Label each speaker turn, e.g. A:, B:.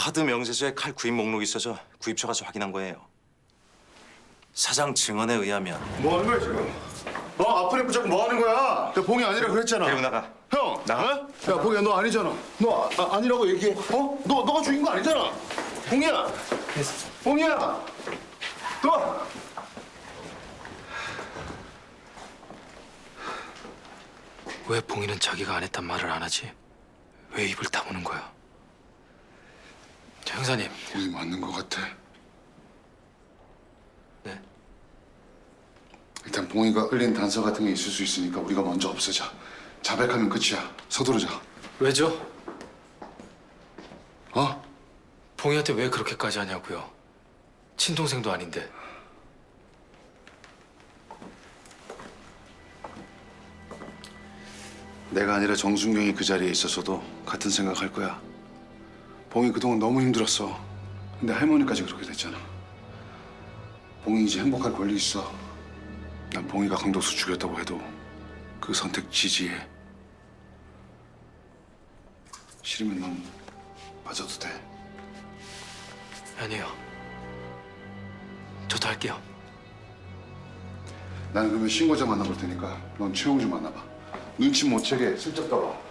A: 하드 명세서에 칼 구입 목록이 있어서 구입처 가서 확인한 거예요. 사장 증언에 의하면
B: 뭐 하는 거야 지금? 아픈 애 붙잡고 뭐 하는 거야? 야 봉이 아니라 그랬잖아.
A: 데리고 나가.
B: 형,
A: 나가.
B: 어? 야 봉이야 너 아니잖아. 너 아니라고 얘기해. 너가 죽인 거 아니잖아. 봉이야. 봉이야. 너.
C: 왜 봉이는 자기가 안 했단 말을 안 하지? 왜 입을 다무는 거야? 형사님.
B: 봉이 맞는 거 같아.
C: 네.
B: 일단 봉이가 흘린 단서 같은 게 있을 수 있으니까 우리가 먼저 없애자. 자백하면 끝이야. 서두르자.
C: 왜죠?
B: 어?
C: 봉이한테 왜 그렇게까지 하냐고요? 친동생도 아닌데.
B: 내가 아니라 정순경이 그 자리에 있었어도 같은 생각할 거야. 봉이 그동안 너무 힘들었어. 근데 할머니까지 그렇게 됐잖아. 봉이 이제 행복할 권리 있어. 난 봉이가 강도수 죽였다고 해도 그 선택 지지해. 싫으면 넌 빠져도 돼.
C: 아니요. 저도 할게요.
B: 나는 그러면 신고자 만나볼 테니까 넌 최홍주 만나봐. 눈치 못 채게 슬쩍 떠봐.